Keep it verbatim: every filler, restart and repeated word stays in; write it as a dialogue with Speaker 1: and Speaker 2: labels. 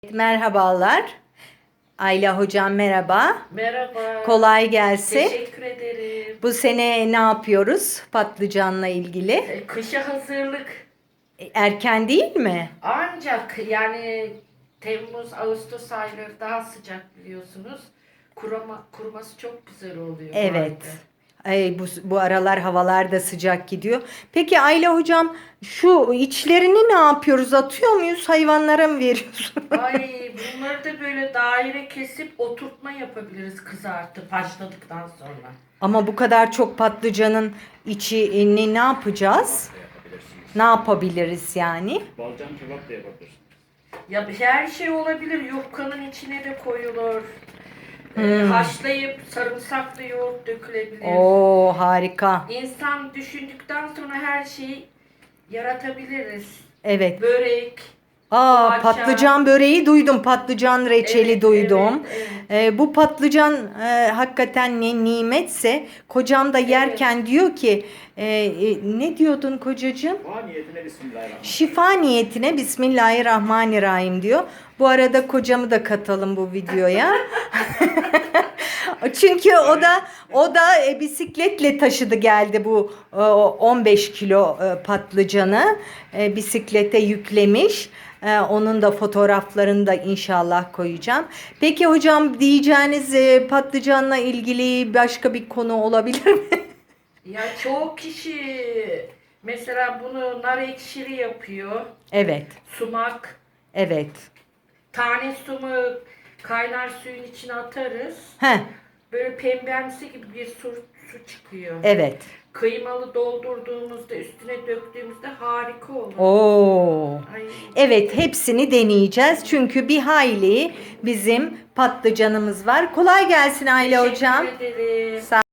Speaker 1: Merhabalar. Ayla hocam merhaba.
Speaker 2: Merhaba.
Speaker 1: Kolay gelsin.
Speaker 2: Teşekkür ederim.
Speaker 1: Bu sene ne yapıyoruz patlıcanla ilgili?
Speaker 2: E, Kışa hazırlık.
Speaker 1: E, Erken değil mi?
Speaker 2: Ancak yani Temmuz, Ağustos ayları daha sıcak biliyorsunuz. Kurama, kuruması çok güzel oluyor bu
Speaker 1: Evet.
Speaker 2: ayda.
Speaker 1: Ay, bu, bu aralar havalar da sıcak gidiyor. Peki Ayla hocam şu içlerini ne yapıyoruz? Atıyor muyuz? Hayvanlara mı veriyorsun?
Speaker 2: Ay bunları da böyle daire kesip oturtma yapabiliriz kızartıp haşladıktan sonra.
Speaker 1: Ama bu kadar çok patlıcanın içini ne yapacağız?
Speaker 3: Da yapabilirsiniz.
Speaker 1: Ne yapabiliriz yani?
Speaker 3: Balcan kebap da yapabilirsiniz.
Speaker 2: Ya her şey olabilir. Yufkanın içine de koyulur. E, haşlayıp sarımsaklı yoğurt dökülebilir.
Speaker 1: Oo harika.
Speaker 2: İnsan düşündükten sonra her şeyi yaratabiliriz.
Speaker 1: Evet.
Speaker 2: Börek,
Speaker 1: Aa,
Speaker 2: poğaça.
Speaker 1: patlıcan böreği duydum. Patlıcan reçeli
Speaker 2: Evet,
Speaker 1: duydum.
Speaker 2: evet, evet.
Speaker 1: Ee, bu patlıcan e, hakikaten ne nimetse kocam da yerken diyor ki e, e, ne diyordun kocacığım?
Speaker 3: Dua niyetine bismillahirrahmanirrahim.
Speaker 1: Şifa niyetine Bismillahirrahmanirrahim diyor. Bu arada kocamı da katalım bu videoya. Çünkü o da o da e, bisikletle taşıdı geldi bu e, on beş kilo e, patlıcanı e, bisiklete yüklemiş. E, onun da fotoğraflarını da inşallah koyacağım. Peki hocam diyeceğiniz e, patlıcanla ilgili başka bir konu olabilir mi?
Speaker 2: Ya çoğu kişi mesela bunu nar ekşili yapıyor.
Speaker 1: Evet,
Speaker 2: Sumak,
Speaker 1: evet.
Speaker 2: tane sumu kaynar suyun içine atarız.
Speaker 1: Heh,
Speaker 2: Böyle pembemsi gibi bir su, su çıkıyor.
Speaker 1: evet.
Speaker 2: Kıymalı doldurduğumuzda üstüne döktüğümüzde harika olur.
Speaker 1: Oo.
Speaker 2: Ay.
Speaker 1: Evet, hepsini deneyeceğiz. Çünkü bir hayli bizim patlıcanımız var. Kolay gelsin Ayla hocam.
Speaker 2: Teşekkür ederim.
Speaker 1: Sağ